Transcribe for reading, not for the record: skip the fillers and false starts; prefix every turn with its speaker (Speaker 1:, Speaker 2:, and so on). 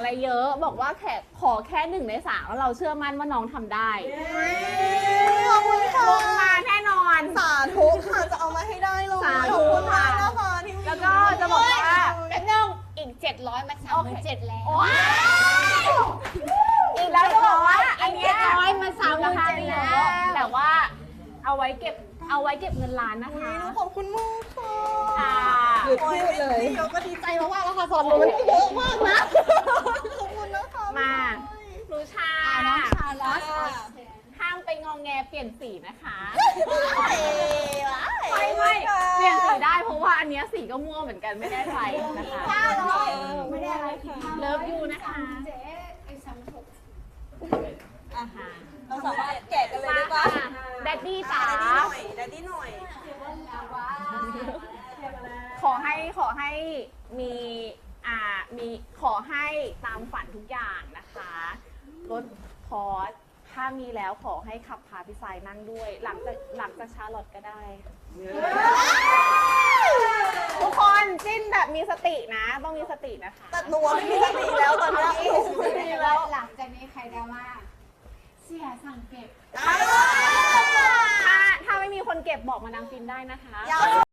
Speaker 1: อะไรเยอะบอกว่าขอแค่1 ใน 3แล้วเราเชื่อมั่นว่าน้องทำได้
Speaker 2: ขอบคุณค่ะ
Speaker 1: ลงมาแน่นอน
Speaker 2: สาธุค่ะจะเอามาให้ได้เลย
Speaker 1: สาธุ
Speaker 2: ขอบคุณมากนะคะที่
Speaker 1: แล้วก็จะบอกว่า
Speaker 3: แล้วนึงอีก700มา37,000แล้ว
Speaker 1: อีกแล้วจะบอกว่าอันเนี้ย
Speaker 3: 700มา37,000
Speaker 1: ราคาดี
Speaker 3: แล้ว
Speaker 1: แต่ว่าเอาไว้เก็บเงินล้านนะคะ
Speaker 2: ขอบคุณมากค่ะ
Speaker 1: ค่ะ
Speaker 2: หยุดพูดเลยพี่โยก็ดีใจมากๆแล้วค่ะสอนหนูมันเยอะมากนะขอบคุณนะคะ
Speaker 1: มาหนูชา
Speaker 3: น้องชาลอส
Speaker 1: ห้ามไปงองแงเปลี่ยนสีนะคะ
Speaker 2: ไม่
Speaker 1: ไม่เปลี่ยนสีได้เพราะว่าอันเนี้ยสีก็ม่วงเหมือนกันไม่ได้ไฟนะคะ
Speaker 3: ไม่ได้อะไรค่ะ
Speaker 1: เลิฟยูนะคะ
Speaker 3: เจ๊ไอ้36
Speaker 2: เราสามารถแกะกันเลยได้ปะ
Speaker 1: แดดดี้จ๋า
Speaker 2: แดดดี้หน่อย
Speaker 1: ขอให้มีขอให้ตามฝันทุกอย่างนะคะรถพอร์ชถ้ามีแล้วขอให้ขับพาพี่สายนั่งด้วย หลังจากชาร์ลอตก็ได้ทุกคนจิ้นแบบมีสตินะ ต้องมีสตินะคะ
Speaker 2: แต่หนูไม่มีสติแล้วตอนนี้ไม่มีแล้ว
Speaker 3: หลังจากนี้ใครดราม่าเสียสั่งเก็บ
Speaker 1: ถ้าไม่มีคนเก็บบอกมานางฟินได้นะคะ
Speaker 2: อย่า